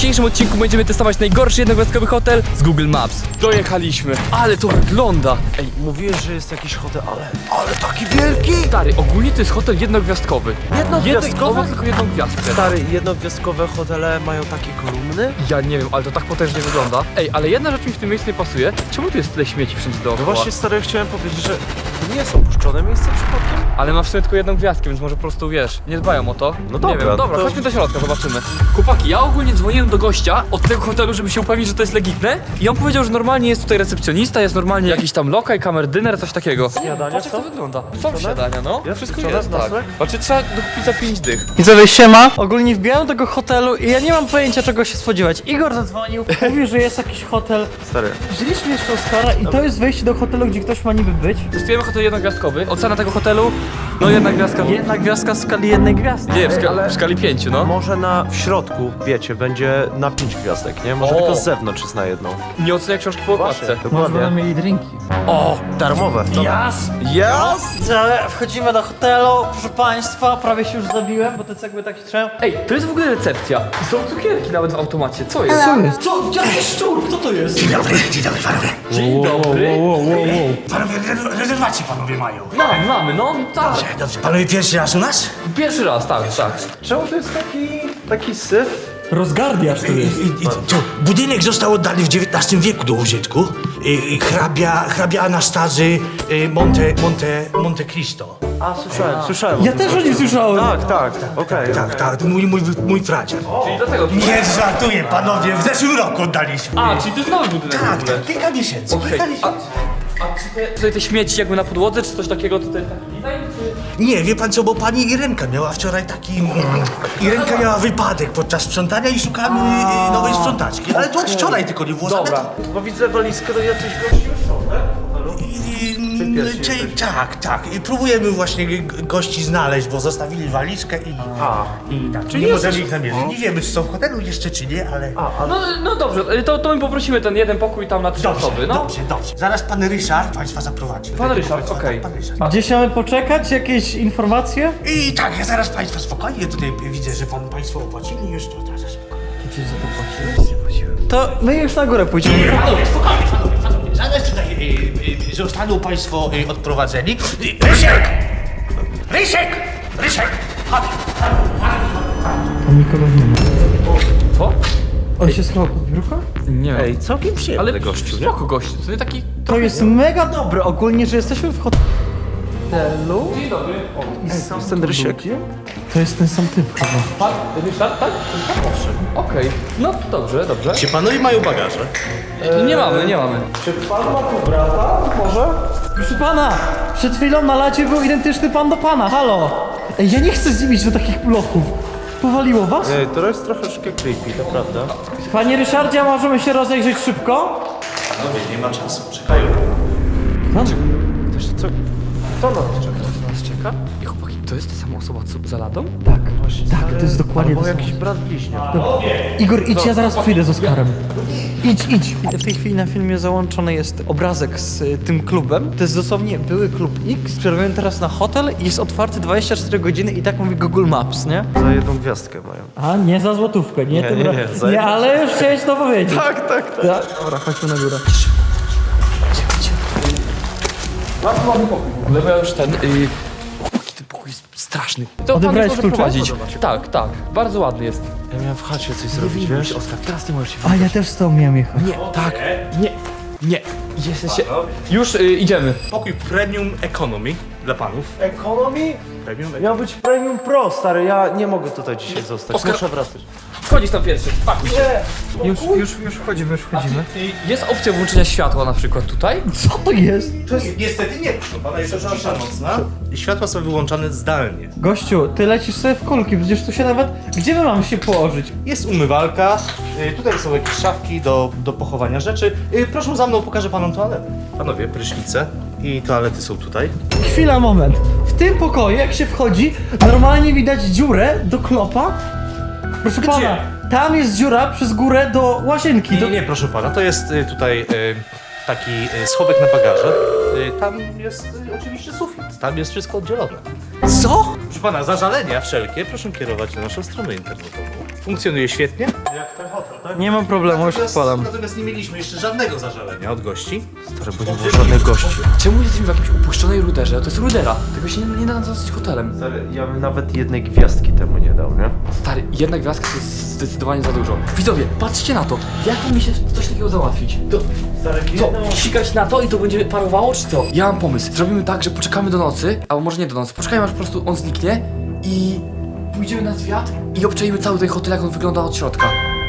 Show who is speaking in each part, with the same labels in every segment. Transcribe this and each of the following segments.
Speaker 1: dzisiejszym odcinku będziemy testować najgorszy jednogwiazdkowy hotel z Google Maps. Dojechaliśmy, ale to wygląda.
Speaker 2: Ej, mówiłeś, że jest jakiś hotel, ale taki wielki!
Speaker 1: Stary, ogólnie to jest hotel jednogwiazdkowy.
Speaker 2: Jednogwiazdkowy?
Speaker 1: Tylko jedną gwiazdkę.
Speaker 2: Stary, jednogwiazdkowe hotele mają takie kolumny?
Speaker 1: Ja nie wiem, ale to tak potężnie wygląda. Ej, ale jedna rzecz mi w tym miejscu nie pasuje. Czemu tu jest tyle śmieci wszędzie
Speaker 2: No
Speaker 1: dookoła?
Speaker 2: właśnie, stary, chciałem powiedzieć, że to nie jest opuszczone miejsce przypadkiem?
Speaker 1: Ale ma w sumie tylko jedną gwiazdkę, więc może po prostu wiesz, nie dbają o to.
Speaker 2: No
Speaker 1: nie
Speaker 2: dobra,
Speaker 1: wiem, dobra,
Speaker 2: to-
Speaker 1: chodźmy do środka, zobaczymy. Chłopaki, ja ogólnie dzwoniłem do gościa od tego hotelu, żeby się upewnić, że to jest legitne. I on powiedział, że normalnie jest tutaj recepcjonista, jest normalnie jakiś tam lokaj, kamerdyner, coś takiego.
Speaker 2: Śniadanie
Speaker 1: Patrz jak to
Speaker 2: są?
Speaker 1: wygląda. Są śniadania, no.
Speaker 2: Jest
Speaker 1: Wszystko
Speaker 2: pieczone,
Speaker 1: jest, tak.
Speaker 2: nocleg?
Speaker 1: Znaczy trzeba dokupić za 5 dych.
Speaker 3: Widzowie, siema. Ogólnie wbijałem do tego hotelu i ja nie mam pojęcia, czego się spodziewać. Igor zadzwonił, mówił, że jest jakiś hotel.
Speaker 2: Stary,
Speaker 3: Wzięliśmy jeszcze Oskara i to jest wejście do hotelu, gdzie ktoś ma niby być.
Speaker 1: Testujemy hotel jednogwiazdkowy. Ocena tego hotelu, no jedna gwiazdka.
Speaker 3: Jedna gwiazdka w skali jednej gwiazdy.
Speaker 1: Nie,
Speaker 2: ale-
Speaker 1: w skali 5, no.
Speaker 2: może w środku, wiecie, będzie na 5 gwiazdek, nie? Może
Speaker 1: O.
Speaker 2: tylko z zewnątrz jest na jedną.
Speaker 1: Nie ocenia książki po okładce.
Speaker 2: Dokładnie.
Speaker 3: mieli drinki.
Speaker 2: O, darmowe.
Speaker 3: Jas! Ale wchodzimy do hotelu, proszę państwa, prawie się już zabiłem, bo te cegły tak się trzają.
Speaker 1: Ej, to jest w ogóle recepcja. Są cukierki nawet w automacie. Co jest?
Speaker 3: Co jest? Co? Jaki szczur? Kto to jest?
Speaker 4: Dzień dobry panowie.
Speaker 1: Dzień dobry.
Speaker 4: Panowie, rezerwacje panowie mają.
Speaker 1: Mamy, no tak.
Speaker 4: Dobrze. Panowie pierwszy raz u nas?
Speaker 1: Pierwszy raz, tak.
Speaker 2: Czemu to jest taki syf?
Speaker 3: Rozgardiasz tu jest.
Speaker 4: I to budynek został oddany w XIX wieku do użytku. Hrabia Anastazy Monte Cristo.
Speaker 2: A, słyszałem.
Speaker 3: Ja też o nim słyszałem.
Speaker 2: Tak, okej.
Speaker 4: Tak, mój pradziak.
Speaker 1: Czyli dlatego.
Speaker 4: Nie żartuję panowie, w zeszłym roku oddaliśmy.
Speaker 1: A, czyli to jest nowy budynek w ogóle.
Speaker 4: Tak, kilka miesięcy.
Speaker 1: Okej. A czy tutaj te śmieci jakby na podłodze, czy coś takiego tutaj taki design, czy...
Speaker 4: Nie, wie pan co, bo pani Irenka miała wczoraj taki... Irenka miała wypadek podczas sprzątania i szukamy nowej sprzątaczki. Ale to od wczoraj tylko nie było
Speaker 1: Dobra.
Speaker 2: Bo widzę walizkę, to jacyś gości już są, tak?
Speaker 4: Tak. I próbujemy właśnie gości znaleźć, bo zostawili walizkę i tak,
Speaker 1: Czyli
Speaker 4: nie możemy
Speaker 1: jesteś-
Speaker 4: ich namierzyć. Nie wiemy, czy są w hotelu jeszcze, czy nie, ale...
Speaker 1: No dobrze, to my poprosimy ten jeden pokój tam na 3 osoby, no.
Speaker 4: Dobrze. Zaraz pan Ryszard państwa zaprowadzi.
Speaker 1: Pan Ryszard,
Speaker 4: Tak,
Speaker 1: okej.
Speaker 4: pan Ryszard.
Speaker 3: Gdzieś mamy poczekać? Jakieś informacje?
Speaker 4: I tak, ja zaraz państwa spokojnie, tutaj widzę, że państwo opłacili już, to zaraz spokojnie.
Speaker 3: To my już na górę pójdziemy.
Speaker 4: Spokojnie. Zaraz tutaj zostaną państwo odprowadzeni. Rysiek! Chodź.
Speaker 3: Tam nikogo nie ma.
Speaker 1: Co?
Speaker 3: On się schował pod biurko?
Speaker 1: Nie
Speaker 2: Ej, całkiem przyjemny
Speaker 1: ale
Speaker 2: gościu, nie?
Speaker 1: spoko gościu, to nie taki...
Speaker 3: To jest mega dobre ogólnie, że jesteśmy w hotelu.
Speaker 1: Dzień dobry.
Speaker 2: Jest ten Rysiek.
Speaker 3: To jest ten sam typ chyba.
Speaker 1: Pan Ryszard, tak? Owszem. Okej, no dobrze.
Speaker 4: Czy panowie mają bagaże?
Speaker 1: Nie mamy.
Speaker 2: Czy pan ma tu brata? Może?
Speaker 3: Proszę pana, przed chwilą na lacie był identyczny pan do pana, halo! Ej, ja nie chcę z nim iść do takich bloków. Powaliło was?
Speaker 2: Ej, to jest troszeczkę creepy, to prawda.
Speaker 3: Panie Ryszardzie, możemy się rozejrzeć szybko?
Speaker 4: Panowie, nie ma czasu, czekają.
Speaker 2: Ktoś co nas czeka?
Speaker 1: Nas czeka? I chłopaki, to jest ta sama osoba co za ladą?
Speaker 3: Tak, tak, to jest dokładnie
Speaker 2: Albo
Speaker 3: to samo.
Speaker 2: jakiś brat bliźniak.
Speaker 3: Igor, idź, ja zaraz przyjdę z Oskarem. Idź. W tej chwili na filmie załączony jest obrazek z tym klubem. To jest dosłownie były klub X. Przerwałem teraz na hotel i jest otwarty 24 godziny i tak mówi Google Maps, nie?
Speaker 2: Za jedną gwiazdkę mają.
Speaker 3: A, nie za złotówkę, nie tym
Speaker 2: nie,
Speaker 3: razem. Nie, ale już chciałeś to powiedzieć.
Speaker 2: Tak.
Speaker 3: Dobra, chodźmy na górę.
Speaker 1: Bardzo ładny pokój w ogóle, bo ja już ten... Chłopaki, ten pokój jest straszny. To
Speaker 3: Odebrałeś
Speaker 1: pan
Speaker 3: klucze?
Speaker 1: prowadzić. Tak, bardzo ładny jest.
Speaker 2: Ja miałem w chacie coś zrobić, wiesz?
Speaker 1: Oskar, teraz nie możesz się
Speaker 3: A, ja też z tobą miałem jechać.
Speaker 1: Nie. Jesteście... Już idziemy.
Speaker 4: Pokój Premium Economy dla panów.
Speaker 2: Economy? Miał być Premium Pro, stary, ja nie mogę tutaj dzisiaj zostać,
Speaker 1: Oskar-
Speaker 2: muszę wracać.
Speaker 1: Wchodzisz tam pierwszy, pakuj się.
Speaker 3: Już wchodzimy.
Speaker 1: Jest opcja włączenia światła na przykład tutaj?
Speaker 3: Co to jest?
Speaker 4: Niestety nie, proszę pana, jest cisza nocna. I światła są wyłączane zdalnie.
Speaker 3: Gościu, ty lecisz sobie w kulki, przecież tu się nawet... Gdzie my mamy się położyć?
Speaker 4: Jest umywalka, tutaj są jakieś szafki do pochowania rzeczy. Proszę za mną, pokażę panom toaletę. Panowie, prysznice i toalety są tutaj.
Speaker 3: Chwila, moment. W tym pokoju, jak się wchodzi, normalnie widać dziurę do klopa. Proszę pana, tam jest dziura przez górę do łazienki.
Speaker 4: Nie, proszę pana, to jest tutaj taki schowek na bagaże. Tam jest oczywiście sufit, tam jest wszystko oddzielone.
Speaker 3: Co?
Speaker 4: Proszę pana, zażalenia wszelkie proszę kierować na naszą stronę internetową. funkcjonuje świetnie.
Speaker 2: Jak ten hotel, tak?
Speaker 3: Nie mam problemu, już odpalam.
Speaker 4: Natomiast nie mieliśmy jeszcze żadnego zażalenia od gości.
Speaker 2: Stary, bo nie było żadnych gości.
Speaker 1: Czemu jesteśmy w jakimś upuszczonej ruderze? To jest rudera. Tego się nie da nazwać hotelem.
Speaker 2: Stary, ja bym nawet jednej gwiazdki temu nie dał, nie?
Speaker 1: Stary, jedna gwiazdka to jest zdecydowanie za dużo. Widzowie, patrzcie na to. Jak mi się coś takiego załatwić? To
Speaker 2: Stary,
Speaker 1: co? Sikać na to i to będzie parowało, czy co? Ja mam pomysł. Zrobimy tak, że poczekamy do nocy, albo może nie do nocy. Poczekajmy, aż po prostu on zniknie i pójdziemy na zwiat i obczajmy cały ten hotel, jak on wygląda od środka.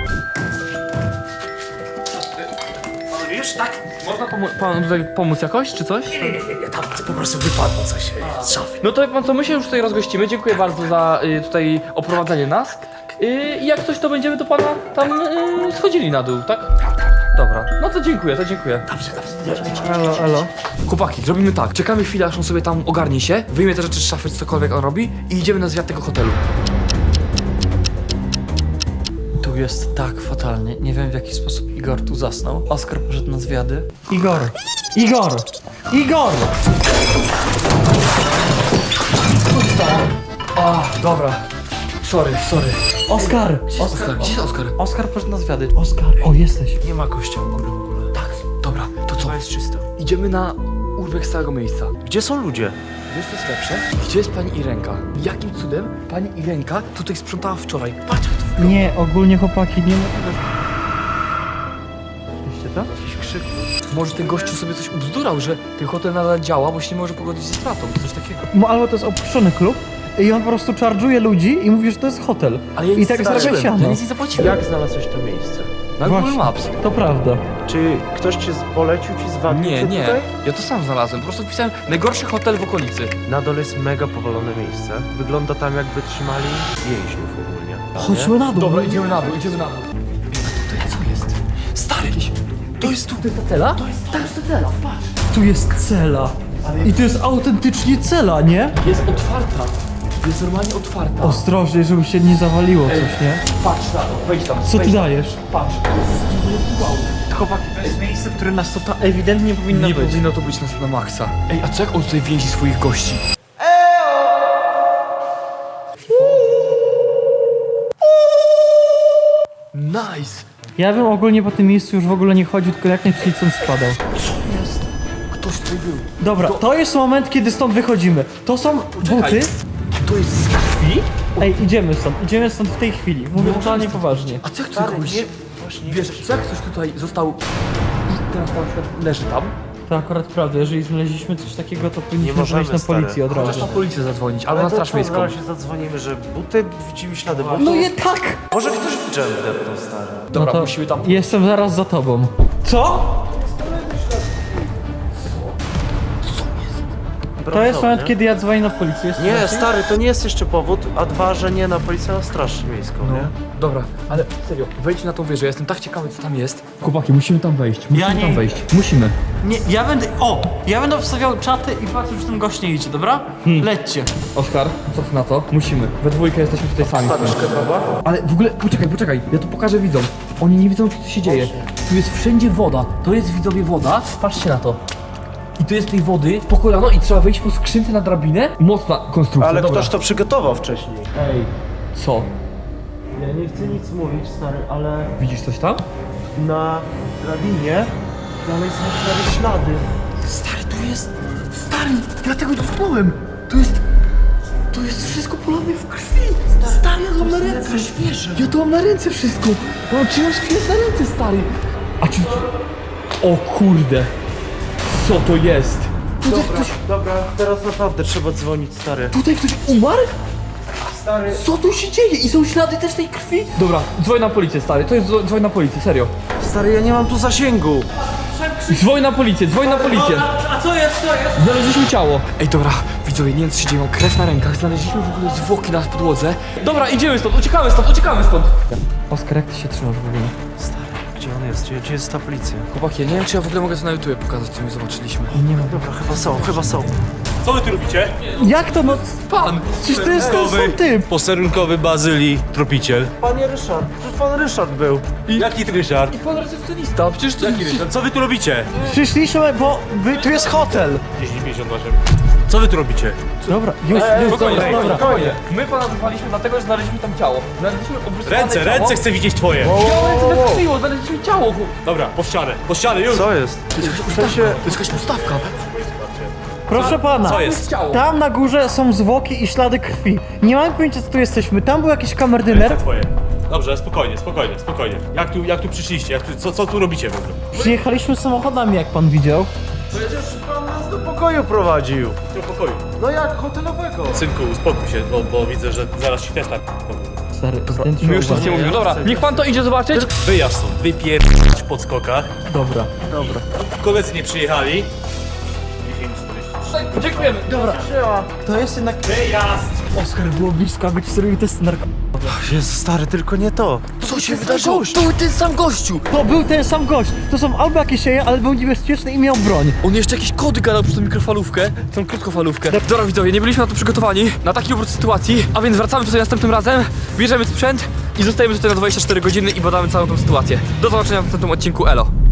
Speaker 4: Już tak?
Speaker 1: Można panu tutaj pomóc jakoś, czy coś?
Speaker 4: Nie, tam po prostu wypadło coś z szafy.
Speaker 1: No to wie pan co, my się już tutaj rozgościmy. Dziękuję bardzo za tutaj oprowadzenie nas. I jak coś, to będziemy do pana tam schodzili na dół, tak? Dobra, no to dziękuję, to dziękuję.
Speaker 3: Elo, elo.
Speaker 1: Chłopaki, zrobimy tak. Czekamy chwilę, aż on sobie tam ogarnie się, wyjmie te rzeczy z szafy, cokolwiek on robi i idziemy na zwiat tego hotelu.
Speaker 3: Tu jest tak fatalnie. Nie wiem w jaki sposób Igor tu zasnął. Oskar poszedł na zwiady. Igor! Igor! Igor!
Speaker 1: A, dobra. Sorry.
Speaker 3: Oskar!
Speaker 1: Oskar, gdzie jest Oskar?
Speaker 3: Oskar poszedł na zwiady. Oskar! O, jesteś.
Speaker 2: Nie ma gościa w ogóle.
Speaker 1: Tak, dobra, to co?
Speaker 2: To jest czysto.
Speaker 1: Idziemy na urbek z całego miejsca.
Speaker 2: Gdzie są ludzie?
Speaker 1: Wiesz co jest lepsze? Gdzie jest pani Irenka? Jakim cudem pani Irenka tutaj sprzątała wczoraj? Patrz jak to wygląda.
Speaker 3: Nie, ogólnie chłopaki, nie ma tego. Widzicie to?
Speaker 2: Jakiś krzyk.
Speaker 1: Może ten gościu sobie coś ubzdurał, że ten hotel nadal działa, bo się nie może pogodzić ze stratą, coś takiego.
Speaker 3: Albo to jest opuszczony klub i on po prostu charge'uje ludzi i mówi, że to jest hotel.
Speaker 1: Ale ja
Speaker 3: I
Speaker 1: nic
Speaker 3: tak
Speaker 1: nie
Speaker 3: zarabia
Speaker 1: zapłaciłem,
Speaker 3: siano.
Speaker 1: ja nic nie zapłaciłem.
Speaker 2: Jak znalazłeś to miejsce?
Speaker 1: Na Google
Speaker 3: Właśnie.
Speaker 1: Maps.
Speaker 3: To prawda.
Speaker 2: Czy ktoś cię polecił, ci zwalił
Speaker 1: Nie,
Speaker 2: cię
Speaker 1: nie,
Speaker 2: tutaj?
Speaker 1: ja to sam znalazłem, po prostu wpisałem najgorszy hotel w okolicy.
Speaker 2: Na dole jest mega powalone miejsce. Wygląda tam jakby trzymali więźniów ogólnie.
Speaker 3: Chodźmy na dół.
Speaker 1: Dobra, idziemy na dół. A tutaj co jest? Stary, to jest tu hotela? To jest hotela, patrz.
Speaker 3: Tu jest cela. I to jest autentycznie cela, nie?
Speaker 1: Jest otwarta. Jest normalnie otwarta.
Speaker 3: Ostrożnie, żeby się nie zawaliło coś, nie?
Speaker 1: Patrz na to, wejdź tam.
Speaker 3: Co ty
Speaker 1: wejdź tam.
Speaker 3: dajesz?
Speaker 1: Patrz, to jest wow.
Speaker 3: Chłopaki, to jest miejsce, w którym nas to ewidentnie powinno
Speaker 1: Nie
Speaker 3: być.
Speaker 1: powinno to być na maksa. Ej, a co jak on tutaj więzi swoich gości? Nice!
Speaker 3: Ja bym ogólnie po tym miejscu już w ogóle nie chodził, tylko jak najszybciej stąd spadał.
Speaker 1: Ktoś tutaj był.
Speaker 3: Dobra, to jest moment, kiedy stąd wychodzimy. To są buty.
Speaker 1: To jest z krwi?
Speaker 3: Ej, idziemy stąd w tej chwili. Mówię totalnie poważnie.
Speaker 1: A co jak tutaj kogoś... Wiesz, co jak ktoś tutaj został i teraz na przykład leży tam?
Speaker 3: To akurat prawda, jeżeli znaleźliśmy coś takiego, to powinniśmy
Speaker 2: możemy,
Speaker 3: dzwonić na
Speaker 2: stary.
Speaker 3: policję od
Speaker 1: Możesz
Speaker 3: razu.
Speaker 1: na policję zadzwonić, albo na straż miejską.
Speaker 2: Zaraz się zadzwonimy, że buty, widzimy ślady butów.
Speaker 3: No je tak!
Speaker 2: Może ktoś w dżem wdepnął, stary.
Speaker 1: Dobra,
Speaker 3: No to
Speaker 1: musimy tam...
Speaker 3: Jestem zaraz za tobą. Co? To jest moment, kiedy ja dzwonię na policję. Jest
Speaker 2: Nie,
Speaker 3: właśnie?
Speaker 2: stary, to nie jest jeszcze powód, a dwa, że nie na policję, na straż miejską, nie?
Speaker 1: Dobra, ale serio, wejdź na tą wieżę, ja jestem tak ciekawy co tam jest. Chłopaki, musimy tam wejść,
Speaker 3: Ja nie-
Speaker 1: tam wejść. Musimy.
Speaker 3: Nie, ja będę obstawiał czaty i patrzę, czy ten gość nie idzie, dobra? Lećcie.
Speaker 1: Oskar, co ty na to? Musimy. We dwójkę jesteśmy tutaj sami. Ale w ogóle, poczekaj, ja to pokażę widzom. Oni nie widzą, co się dzieje. Tu jest wszędzie woda. To jest widzowie woda. Patrzcie na to. I tu jest tej wody po kolano i trzeba wejść po skrzynce na drabinę. Mocna konstrukcja,
Speaker 2: Ale
Speaker 1: dobra.
Speaker 2: ktoś to przygotował wcześniej.
Speaker 1: Ej, co?
Speaker 2: Ja nie chcę nic mówić, stary, ale
Speaker 1: Widzisz coś tam?
Speaker 2: na drabinie dalej są stare ślady.
Speaker 1: Stary, tu jest... Stary, ja tego dotknąłem. To jest wszystko polane w krwi. Stary, ja to mam na ręce. Ja to mam na ręce wszystko. Mam czyjąś krew na ręce, stary. A czy... O kurde. Co to jest? Tutaj ktoś,
Speaker 2: Dobra, teraz naprawdę trzeba dzwonić, stary.
Speaker 1: tutaj ktoś umarł?
Speaker 2: Stary,
Speaker 1: Co tu się dzieje? I są ślady też tej krwi? Dobra, dzwoń na policję, stary. To jest dzwoń na policję, serio.
Speaker 2: stary, ja nie mam tu zasięgu.
Speaker 1: Dzwoń na policję, dzwoń na policję.
Speaker 3: A co jest?
Speaker 1: Znaleźliśmy ciało. Ej, dobra, widzowie, nie wiem co się dzieje, mam krew na rękach, znaleźliśmy w ogóle zwłoki na podłodze. Dobra, idziemy stąd, uciekamy stąd.
Speaker 3: Oskar, jak ty się trzymasz w ogóle?
Speaker 2: Stary, gdzie on jest? Gdzie jest ta policja?
Speaker 1: Chłopaki, ja nie wiem czy ja w ogóle mogę to na YouTube pokazać, co my zobaczyliśmy.
Speaker 3: Nie mam.
Speaker 2: Dobra, chyba są.
Speaker 4: Co wy tu robicie?
Speaker 3: Jak to no?
Speaker 1: Pan!
Speaker 3: Przecież to jest ten sam typ.
Speaker 4: Posterunkowy Bazylii, tropiciel.
Speaker 2: Panie Ryszard, przecież pan Ryszard był.
Speaker 4: Jaki Ryszard?
Speaker 1: I pan recepcjonista, przecież to...
Speaker 4: Jaki Ryszard? Co wy tu robicie?
Speaker 3: Przyszliśmy, bo tu jest hotel.
Speaker 4: 1058. Co wy tu robicie?
Speaker 3: Dobra, już, dobra.
Speaker 5: Spokojnie. My pana wywaliśmy dlatego, że znaleźliśmy tam ciało. Znaleźliśmy obrysowane
Speaker 4: Ręce,
Speaker 5: ciało.
Speaker 4: ręce chcę widzieć twoje!
Speaker 5: Ciało ręce wykrzyło, znaleźliśmy ciało.
Speaker 4: Dobra, po ścianę, już!
Speaker 2: Co jest? W sensie...
Speaker 1: To jest jakaś ustawka.
Speaker 3: Proszę pana,
Speaker 4: Co jest?
Speaker 5: Ciało.
Speaker 3: tam na górze są zwłoki i ślady krwi. Nie mam pojęcia, co tu jesteśmy. Tam był jakiś kamerdyner.
Speaker 4: Ręce twoje. Dobrze, spokojnie. Jak tu przyszliście? Co tu robicie w ogóle?
Speaker 3: Przyjechaliśmy samochodami, jak pan widział.
Speaker 2: Przecież pan nas do pokoju prowadził.
Speaker 4: Do pokoju.
Speaker 2: No jak hotelowego.
Speaker 4: Synku, uspokój się, bo widzę, że zaraz ci testa.
Speaker 3: Stary, zdjęcie
Speaker 5: My już nic nie mówimy. Dobra, niech pan to idzie zobaczyć.
Speaker 4: Wyjazd stąd, wypierdź po skokach.
Speaker 3: Dobra.
Speaker 4: Koledzy nie przyjechali.
Speaker 5: Dziękujemy. Dobra.
Speaker 3: To jest jednak...
Speaker 4: Wyjazd!
Speaker 3: Oskar, było blisko, aby ci zrobił test
Speaker 2: Jezu, stary, tylko nie to.
Speaker 1: Co się wydarzyło? To był ten sam gościu.
Speaker 3: To był ten sam gość. To są albo jakieś jaja, ale był niebezpieczny i miał broń.
Speaker 5: On jeszcze jakieś kody gadał przez tą mikrofalówkę, tą krótkofalówkę. Dobra widzowie, nie byliśmy na to przygotowani, na taki obrót sytuacji, a więc wracamy tutaj następnym razem, bierzemy sprzęt i zostajemy tutaj na 24 godziny i badamy całą tą sytuację. Do zobaczenia w następnym odcinku, elo.